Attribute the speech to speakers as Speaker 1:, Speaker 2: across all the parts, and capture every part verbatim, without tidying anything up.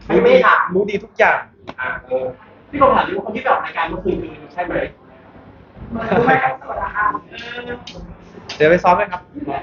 Speaker 1: ไม่ไม่ถาม
Speaker 2: รู้ดีทุกอย่าง
Speaker 1: อ่าเออพี่ผมถามดิว่าคนที่ไปออกรายการเมื่อคืนคือใช่ไหมรู้ไหมครับสวัสดีครับ
Speaker 2: เดี๋ยวไปซ้อมเลยครับ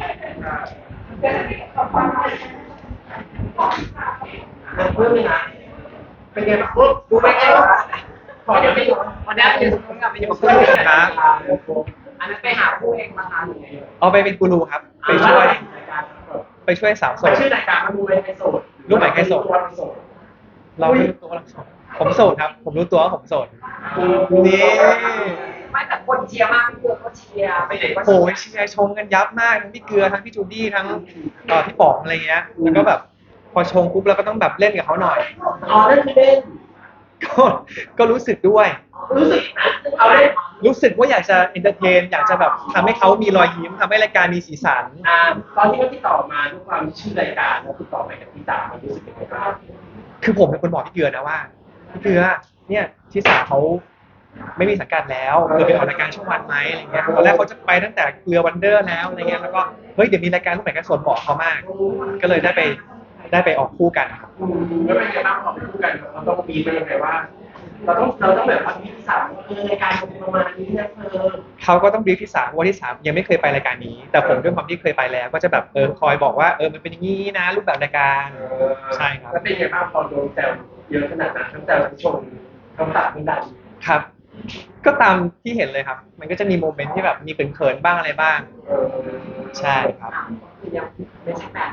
Speaker 1: เพิ่มเลยนะเป็นไงบ้างดูไปไงขอเดี๋ยวไปอยู่วันนี้อยู่ตรงกับไปอยู่กับเพื่อนกันอันนั้นไปหาผู้เองมาทานหรือไง
Speaker 2: เอาไปเป็นกูรูครับไปช่วยไปช่วยสาวโสด
Speaker 1: ชื่อรายการมันดูเป็นไฮโสด
Speaker 2: รูปไหนใครโสดเราไม่รู้ตัวเราโสดผมโสดครับผมรู้ตัวว่าผมโสดนี่
Speaker 1: ไม่แต่คนเชียร์มากพี่เกลือก็เชียร์ไปไหนก็
Speaker 2: โอ้ยเชียร์ชมกันยับมากทั้งพี่เกลือทั้งพี่จูดี้ทั้งเอ่อพี่ป๋องอะไรเงี้ยแล้วก็แบบพอชงปุ๊บเราก็ต้องแบบเล่นกับเขาหน่อย
Speaker 1: อ๋อเล่นคือเล่น
Speaker 2: ก็ก็รู้สึกด้วย
Speaker 1: รู้สึกเอาเล่น
Speaker 2: รู้สึกว่าอยากจะเอนเตอร์เทนอยากจะแบบทำให้เขามีรอยยิ้มทำให้รายการมีสีสัน
Speaker 1: อ่าตอนที่เขาติดต่อมาด้วยความชื่อรายการแล้วติดต่อไปกับพี่จ๋ามันรู้สึกยังไงบ้าง
Speaker 2: คือผมเป็นคนบอกพี่เกลือนะว่าพี่เกลือเนี่ยทิสาเขาไม่มีสังกัดแล้วเกลือไปออกรายการช่องวันไหมอะไรเงี้ยตอนแรกเขาจะไปตั้งแต่เกลือวันเดอร์แล้วอะไรเงี้ยแล้วก็เฮ้ยเดี๋ยวมีรายการรูปแบบการสดบอกเขามากก็เลยได้ไปได้ไปออกคู่กันครับ
Speaker 1: แล้วเป็นไงบ้างพอไปคู่กันเราต้องมีเป็นยังไงว่าเราต้องเราต้องแบบว่าพี่สามเออรายการเป็นประมาณนี้นะเออ
Speaker 2: เขาก็ต้องบรีฟที่สามว่าที่สามยังไม่เคยไปรายการนี้แต่ผมด้วยความที่เคยไปแล้วก็จะแบบเออคอยบอกว่าเออมันเป็นอย่างนี้นะรูปแบบรายการใช่ครับ
Speaker 1: แล้วเป็นไงบ้างพอโดนแซวเยอะขนาดนั้นทั้งแซวทั้งชมทั้งตัดทั้งดัน
Speaker 2: ครับก็ตามที่เห็นเลยครับมันก็จะมีโมเมนต์ที่แบบมีเขินๆบ้างอะไรบ้างใช่ครับ
Speaker 1: ไม่ใช่แฟน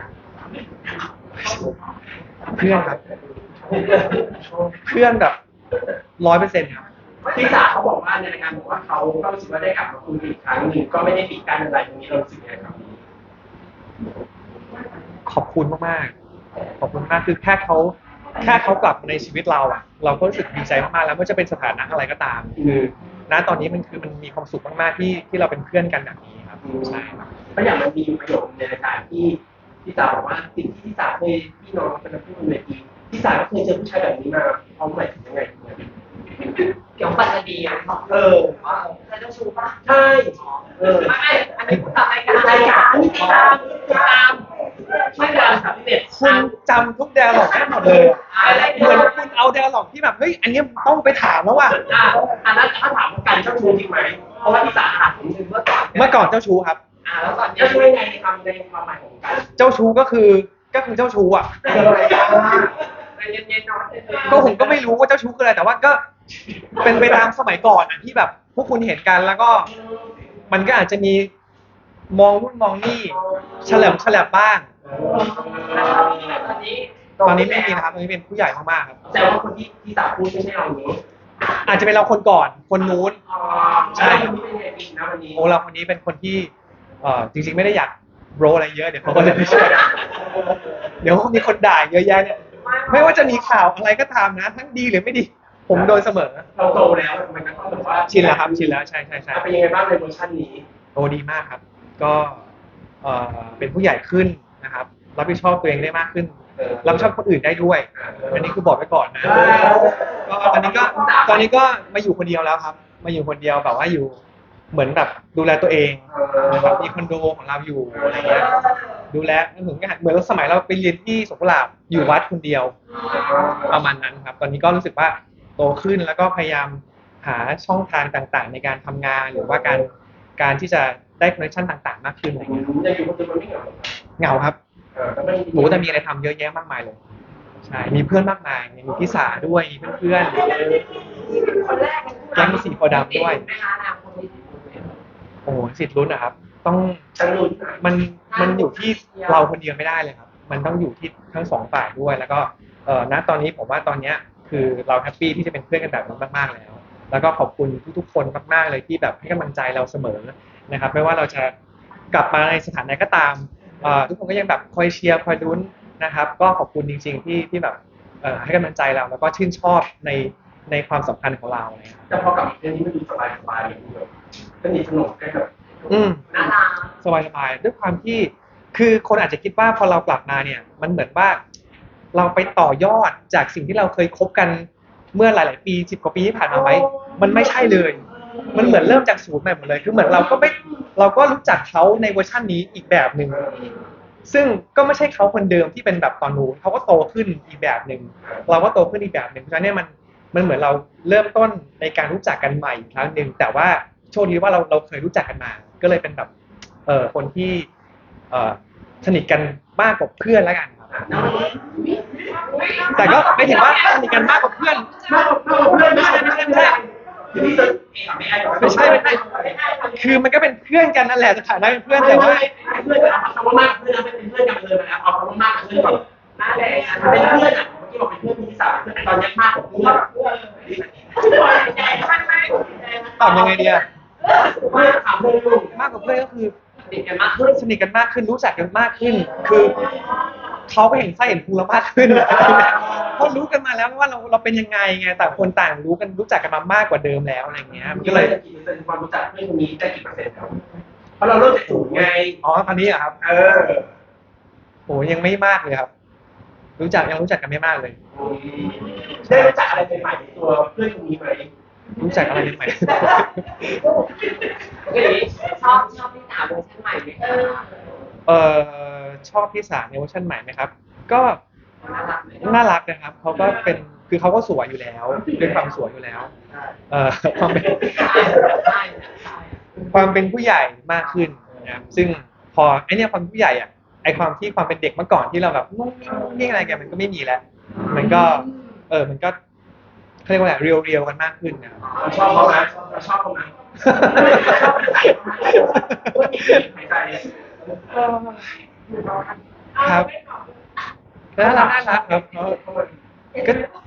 Speaker 2: เพื่อนครับเพื่อนแบบร้อยเปอร์เซ็นต์ครับ
Speaker 1: พี่สาวเขาบอกว่าในรายการบอกว่าเขาก็รู้สึกว่าได้กลับมาคุยอีกครั้งหนึ่งก็ไม่ได้ปิดกั้นอะไรตรงนี้เราสึกยังไงครับ
Speaker 2: ขอบคุณมากๆขอบคุณมากคือแค่เขาแค่เขากลับมาในชีวิตเราอ่ะเราก็รู้สึกดีใจมากๆแล้วไม่ว่าจะเป็นสถานะอะไรก็ตามคือณตอนนี้มันคือมันมีความสุขมากๆที่ที่เราเป็นเพื่อนกันแบบนี้ครับใช่ครับ
Speaker 1: เพราะอย่างมันมีประโยคในรายการที่พี่สาวบอกว่าสิ่งที่พี่สาวเคยพี่น้องเป็นผู้ในทีพี่สาวก็เคยเจอผู้ชายแบบนี้มาเขาหมายถึงยังไงเกี่ยวกับปัจจุบันเออว่าเคยเจ้าชู้ป่ะใช่เออไม่อันนี้คุณทำรายการรายการนี่ติดตามติดตามไม่ดังครับพี่เด็ด
Speaker 2: คุณจำทุกแดร์ล็อกได้หมดเลยเหมือนคุณเอาแดร์ล็อกที่แบบเฮ้ยอันนี้ต้องไปถามแล้วว่ะ
Speaker 1: อ่าอันนั้นถ้าถามกันเจ้าชู้จริงไหมเพราะว่าพี่สาวถามผมเมื่อก่อน
Speaker 2: เมื่อก่อนเจ้าชู้ครับ
Speaker 1: อ่าแล้วก่อนเจ้าชู้ยังไงในคำในความหมายของกัน
Speaker 2: เจ้าชู้ก็คือก็คือเจ้าชู้อ่ะก็ผมก็ไม่รู้ว่าเจ้าชู้คืออะไรแต่ว่าก็เป็นไปตามสมัยก่อนอ่ะที่แบบพวกคุณเห็นกันแล้วก็มันก็อาจจะมีมองนู่นมองนี่เฉลิมฉลับบ้าง
Speaker 1: ตอนนี้
Speaker 2: ตอนนี้ไม่มีนะครับตอนนี้เป็นผู้ใหญ่มากๆครับ
Speaker 1: แต่ว่าคนที่ที่สาวพูดไม่ใช่เรานี้
Speaker 2: อาจจะเป็นเราคนก่อนคนนู้น
Speaker 1: ใช่คนนี้เป็นไงบินนะวันนี้
Speaker 2: โอ้เราคนนี้เป็นคนที่เอ่อจริงๆไม่ได้อยากโบรอะไรเยอะเดี๋ยวเขาก็จะไม่ช่วยเดี๋ยวมีคนด่าเยอะแยะเนี่ยไม่ว่าจะมีข่าวอะไรก็ตามนะทั้งดีหรือไม่ดีผมโดนเสมอ
Speaker 1: เราโตแล้วมันก็ต้องแบบว่า
Speaker 2: ชินแล้วครับชินแล้วใช่ใช่ใช่
Speaker 1: เป็นยังไงบ้างในเวอร์ชันนี้
Speaker 2: โอ้ดีมากครับก็เอ่อเป็นผู้ใหญ่ขึ้นนะครับรับผิดชอบตัวเองได้มากขึ้นรับผิดชอบคนอื่นได้ด้วยอันนี้คือบอกไว้ก่อนนะก็ตอนนี้ก็ตอนนี้ก็มาอยู่คนเดียวแล้วครับมาอยู่คนเดียวแบบว่าอยู่เหมือนแบบดูแลตัวเองนะครับมีคอนโดของเราอยู่อะไรเงี้ยดูแลเหมือนเหมือนสมัยเราไปเรียนที่สงขลาอยู่วัดคนเดียวประมาณนั้นครับตอนนี้ก็รู้สึกว่าโตขึ้นแล้วก็พยายามหาช่องทางต่างๆในการทำงานหรือว่าการการที่จะได้คอนเนคชั่นต่างๆมากขึ้นอะไรเงี้ย
Speaker 1: จะอยู่คนเดียวมันไม่เหงา
Speaker 2: เหงาครับหมูแต่มีอะไรทำเยอะแยะมากมายเลยใช่มีเพื่อนมากมายมีพี่สาด้วยมีเพื่อนๆแก๊งสีโพดำด้วยโอ้สิทธิ์ลุ้นนะครับต้องมันมันอยู่ที่เราคนเดียวไม่ได้เลยครับมันต้องอยู่ที่ทั้งสองฝ่ายด้วยแล้วก็เอ่อณตอนนี้ผมว่าตอนเนี้ยคือเราแฮปปี้ที่จะเป็นเพื่อนกันแบบนี้มากๆแล้วแล้วก็ขอบคุณทุกๆคนมากๆเลยที่แบบให้กำลังใจเราเสมอนะครับไม่ว่าเราจะกลับมาในสถานะก็ตามทุกคนก็ยังแบบคอยเชียร์คอยลุ้นนะครับก็ขอบคุณจริงๆที่ที่แบบให้กำลังใจเราแล้วก็ชื่นชอบในในความสัมพันธ์ของเราเนี่ย
Speaker 1: แต่พอกลับมาเรื่องนี้มันดูสบายสบายเลยแบบสนิทสนมกันแบบ
Speaker 2: อืม
Speaker 1: น่ารัก
Speaker 2: สบายสบายด้วยความที่คือคนอาจจะคิดว่าพอเรากลับมาเนี่ยมันเหมือนว่าเราไปต่อยอดจากสิ่งที่เราเคยคบกันเมื่อหลายๆปีสิบกว่าปีที่ผ่านมาไหมมันไม่ใช่เลยมันเหมือนเริ่มจากศูนย์ใหม่หมดเลยคือเหมือนเราก็ไม่เราก็รู้จักเขาในเวอร์ชันนี้อีกแบบหนึ่งซึ่งก็ไม่ใช่เขาคนเดิมที่เป็นแบบตอนนู้นเขาก็โตขึ้นอีกแบบหนึ่งเราก็โตขึ้นอีกแบบหนึ่งเพราะฉะนั้นเนี่ยมันมันเหมือนเราเริ่มต้นในการรู้จักกันใหม่อีกครั้งหนึ่งแต่ว่าโชคดีว่าเราเราเคยรู้จักกันมาก็เลยเป็นแบบเอ่อคนที่เอ่อสนิทกันมากกว่าเพื่อนแล้วกันครับแต่ก็ไม่ถึงว่าสนิทกันมากกว่าเพื่อน
Speaker 1: มากกว่าเพื่อนไม่ใช่ไม่ใช่ไม่ใช่พี่จะไม่ใช่
Speaker 2: ไม่ใช่ไม่ใช่คือมันก็เป็นเพื่อนกันนั่นแหละสถานะเป็นเพื่อนแต่ว่า
Speaker 1: เพื่อนเอาคำว่ามากเพื่อนเป็นเพื่อนกันเลยมาแล้วเอาคำว่ามากเพื่อนก่อนเป็นเพื่อนอ่ะเมื่อกี้บอกเป็นเพื่อนที่สามตอนนี้มากกว่าเพื่อน
Speaker 2: ตอบยังไงดีอะ
Speaker 1: มากถามเพื่อนลูก
Speaker 2: มากกว่าเพื่อนก็คือ
Speaker 1: ติดกันมากขึ้น
Speaker 2: สนิทกันมากขึ้นรู้จักกันมากขึ้น คือเขาก็เห็นไส้เห็นพุงเรามากขึ้นเพราะรู้กันมาแล้วว่าเราเราเป็นยังไงไงแต่คนต่างรู้กันรู้จักกันมามากกว่าเดิมแล้วอะไรเงี้ยมัน
Speaker 1: ก็
Speaker 2: ก็
Speaker 1: เล
Speaker 2: เลย ย
Speaker 1: กี่เปอร์เซ็นต์ความรู้จักเพื่อนคนนี้ได้กี่เปอร์เซ็นต์ครับเพราะเราเริ่มจากศูนย์ไง
Speaker 2: อ๋อตอนนี้อะครับ
Speaker 1: เออ
Speaker 2: โอ้ยังไม่มากเลยครับ รู้จักยังรู้จักกันไม่มากเลย
Speaker 1: ได้รู้จักอะไรใหม่ๆในตัวเพื่อนคนนี้ไหม
Speaker 2: รู้จักอะไรใหม่
Speaker 3: ชอบชอบที่สาวเวอร์ชันใหม่ไหมคะ
Speaker 2: เออชอบพี่สาในเวอร์ชันใหม่ไหมครับ ก็
Speaker 3: น่ารักไหม
Speaker 2: น่ารักนะครับเขาก็เป็นคือเขาก็สวยอยู่แล้วด้วยความสวยอยู่แล้ว เอ่อความเป็น
Speaker 3: ใช่ใช่
Speaker 2: ความเป็นผู้ใหญ่มากขึ้นนะครับซึ่งพอไอเนี้ยความผู้ใหญ่อ่ะไอความที่ความเป็นเด็กเมื่อก่อนที่เราแบบงุ้งงิ้งงุ้งงิ้งอะไรกันมันก็ไม่มีแล้ว มันก็ เออมันก็เขาเรียกว่าอะไรเรียวเรียวกันมากขึ้นนะครับ
Speaker 1: เราชอบเขาไหมเราชอบเขาไหมชอบหายใจ
Speaker 2: ครับน่ารักน่ารักครับเขาก็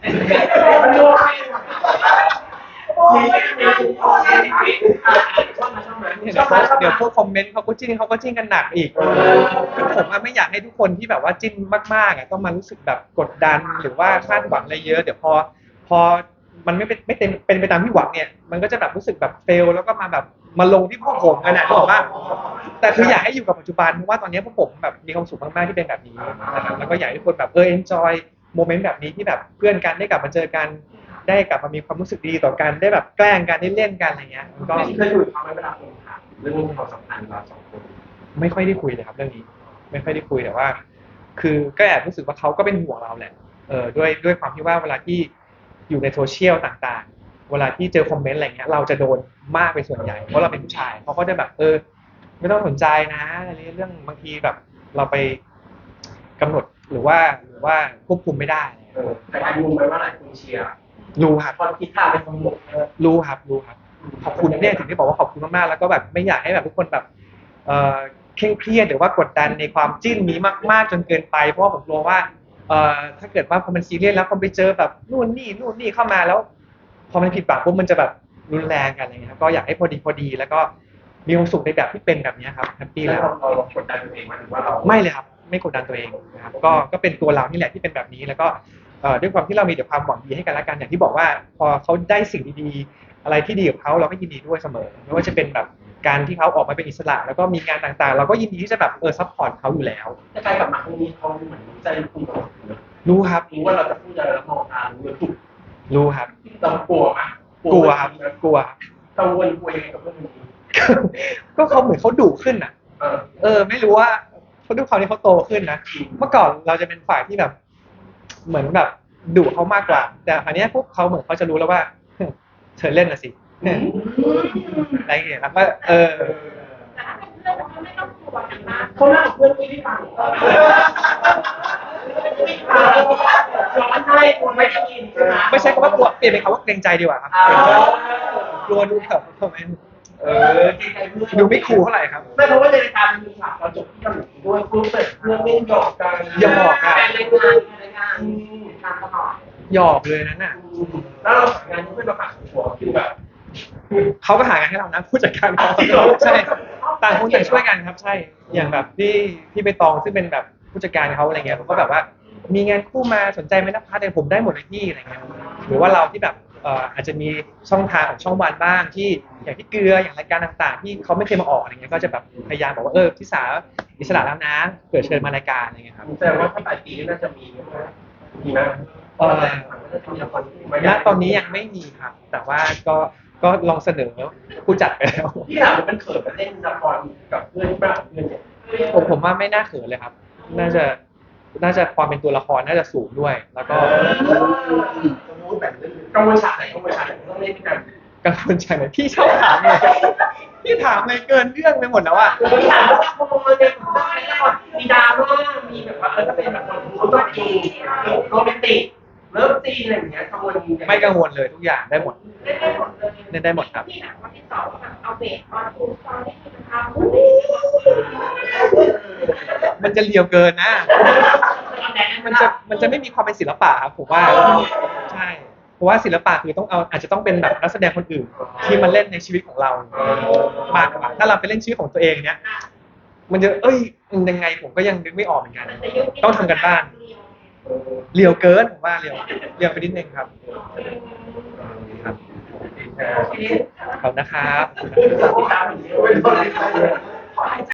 Speaker 1: ชอบไหมชอบไหม
Speaker 2: เดี๋ยวพวกคอมเมนต์เขาก็จิ้นเขาก็จิ้นกันหนักอีกคือผมอะไม่อยากให้ทุกคนที่แบบว่าจิ้นมากๆอ่ะต้องมารู้สึกแบบกดดันหรือว่าคาดหวังอะไรเยอะเดี๋ยวพอพอมันไม่เป็นไม่เต็มเป็นไปตามที่หวังเนี่ยมันก็จะแบบรู้สึกแบบเฟลแล้วก็มาแบบมาลงที่พวกผมกันนะบอกว่าแต่คืออยากให้อยู่กับปัจจุบันเพราะว่าตอนนี้พวกผมแบบมีความสุขมากๆที่เป็นแบบนี้นะครับแล้วก็อยากให้ทุกคนแบบเออ enjoy โมเมนต์แบบนี้ที่แบบเพื่อนกันได้กลับมาเจอกันได้กลับมามีความรู้สึกดีต่อกันได้แบบแกล้งกันได้เล่นกันอะไรเงี้ยมันก็
Speaker 1: เคยคุยกับเขาไหมเวลาคนถามเรื่องความสัมพันธ์เราสองคน
Speaker 2: ไม่ค่อยได้คุยเลยครับเรื่องนี้ไม่ค่อยได้คุยแต่ว่า คือก็แอบรู้สึกว่าเขาก็เป็นห่วงเราแหละเออด้วยด้วยความที่ว่าเวลาที่อยู่ในโซเชียลต่างๆ เวลาที่เจอคอมเมนต์อะไรเงี้ยเราจะโดนมากเป็นส่วนใหญ่เพราะเราเป็นผู้ชายเขาก็จะแบบเออไม่ต้องสนใจนะอะไรเรื่องบางทีแบบเราไปกำหนดหรือว่าหรือว่าควบคุมไม่ได้
Speaker 1: เออแต่การมุมไปว่าหลายคนเชียร์
Speaker 2: รู้ครับ
Speaker 1: พอคิดข่าวเป็นคนหมด
Speaker 2: รู้ครับรู้ครับขอบคุณเนี่ยถึงได้บอกว่าขอบคุณมากๆแล้วก็แบบไม่อยากให้แบบทุกคนแบบเอ่อเคร่งเครียดหรือว่ากดดันในความจิ้นนี้มากๆจนเกินไปเพราะว่าผมกลัวว่าเอ่อถ้าเกิดว่าพอมันซีเรียสแล้วพอไปเจอแบบนู่นนี่นู่นนี่เข้ามาแล้ว พอมันผิดหวังปุ๊บมันจะแบบรุนแรงกันอะไรเงี้ยครับก็อยากให้พอดีพอดีแล้วก็มีความสุขในแบบที่เป็นแบบนี้ครับแฮปปี้
Speaker 1: แล้
Speaker 2: แล้ว ว
Speaker 1: เราเรากดดันตัวเองมาถึงว่าเรา
Speaker 2: ไม่เลยครับไม่กดดันตัวเองนะครับก็ก็เป็นตัวเรานี่แหละที่เป็นแบบนี้แล้วก็เอ่อด้วยความที่เรามีแต่ความหวังดีให้กันและกันอย่างที่บอกว่าพอเขาได้สิ่งดีๆอะไรที่ดีกับเขาเราก็ยินดีด้วยเสมอไม่ว่าจะเป็นแบบการที่เขาออกมาเป็นอิสระแล้วก็มีงานต่างๆ เราก็ยินดีที่จะแบบเออซัพพอร์ตเขาอยู่แล้ว
Speaker 1: แต่การกลับมาครั้งนี้เขาเหมือนใจคุณของเรา
Speaker 2: รู้ครับ
Speaker 1: รู้ว่าเราจะพูดอะไรแล้วมองตารู้ว่าถูก
Speaker 2: รู้ครับ
Speaker 1: เรากลัวไหม
Speaker 2: กลัวครับกลัว
Speaker 1: กังวลกลัวยังไงกับเรื่องนี้
Speaker 2: ก็เขาเหมือนเขาดุขึ้นอ่ะ
Speaker 1: เออ
Speaker 2: เออไม่รู้ว่าเขาด้วยความที่เขาโตขึ้นนะเมื่อก่อนเราจะเป็นฝ่ายที่แบบ เหมือนแบบดุเขามากกว่า แต่อันเนี้ยพวกเขาเหมือนเขาจะรู้แล้วว่า เธอเล่นนะสิอะไรอย่างเงี้ยแล้วก็เออ
Speaker 3: แต่ถ้าเป็นเพื่อนก็ไม่ต้องกลัวกันมาก
Speaker 1: เขาหน้าเพื่อนที่ฟังร้อนให้คุณไม่ได้ยินใช่ไหม
Speaker 2: ไม่ใช่คำว่ากลัวเปลี่ยนเป็นคำว่าเกรงใจดีกว่าครับ
Speaker 1: อ่าก
Speaker 2: ลัวดูแบบทำไมเออ
Speaker 1: เกรงใจเพื่อน
Speaker 2: ดูไม่คูลเท่าไหร่ครับ
Speaker 1: ไม่เพราะว่าในรายการมีฉากเราจบที่เกาหลีด้วยคุณเปิดเพื่อนเล่นหยอกกัน
Speaker 2: หยอกอะ
Speaker 3: เป็นรายการเป็นรายการตามตลอด
Speaker 2: หยอกเลยนั้นน่ะ
Speaker 1: แล้วเราทำงานเพื่อนเราผ่านหัวคือแบบ
Speaker 2: เขาก็หางานให้เรานะผู้จัดการเขา
Speaker 1: จริงเหรอ
Speaker 2: ใช่ต่างคนต่างช่วยกันครับใช่อย่างแบบที่ที่ไปตองซึ่งเป็นแบบผู้จัดการเขาอะไรเงี้ยเขาก็แบบว่ามีงานคู่มาสนใจไหมนะพัทเนี่ยผมได้หมดเลยพี่อะไรเงี้ยหรือว่าเราที่แบบเอ่ออาจจะมีช่องทางของช่องวันบ้างที่อย่างที่เกลืออย่างรายการต่างๆ ที่เขาไม่เคยมาออกอะไรเงี้ยก็จะแบบพยายามบอกว่าเออพี่สาวอิสระแล้วนะเกิดเชิญมารายการอะไรเงี้ยครับ
Speaker 1: แสดงว่าถ้าปลายปีนี้น่าจะมีมีไหม
Speaker 2: เอ่อ
Speaker 1: น่าจะมีละครคู่ไหม
Speaker 2: ณตอนนี้ยังไม่มีครับ แต่ว่าก็ก็ลองเสนอผู้จัดไปแล้ว
Speaker 1: พี่ถามว่ามันเขินมาเล่นละครกับเพื่อนบ้างเพื่อนเนี่ย
Speaker 2: ผมผมว่าไม่น่าเขินเลยครับน่าจะน่าจะความเป็นตัวละครน่าจะสูงด้วย แล้วก็
Speaker 1: สมมติแบบกังวลฉากไหนกังวลฉากไหนต้องเล่นกัน
Speaker 2: กังวลใจหน่อยพี่ชอบถามเลยพี่ถามอะไรเกินเรื่องไปหมดแล้วอะ
Speaker 1: มีฉากว่าโมเนี่ยมีดราม่ามีแบบว่าเออถ้าเป็นแบบคนเขาต้องดูโรแมนติกเลิฟซีนอะไรอย่างเงี้ยกังวล
Speaker 2: ไม่กังวลเลยทุกอย่างได้หมด
Speaker 3: เล่นได้หมดเลย
Speaker 2: เล่นได้หมดครับ
Speaker 3: ที่หนังวันที่สองแบบเอาเบสออนทูซอนที่คุณทำ
Speaker 2: มันจะเลียวเกินนะ มันจะมันจะไม่มีความเป็นศิลปะครับผมว่าใช่เพราะว่าศิลปะคือต้องเอาอาจจะต้องเป็นแบบนักแสดงคนอื่นที่มาเล่นในชีวิตของเรามากกว่าถ้าเราไปเล่นชีวิตของตัวเองเนี้ยมันจะเอ้ยมันยังไงผมก็ยังนึกไม่ออกเหมือนกันต้องทำกันบ้านเลียวเกินผมว่าเลียวเลียวไปนิดนึงครับครับ
Speaker 1: โอเค
Speaker 2: ขอบคุณนะครับ
Speaker 1: ติดตามอย่างนี้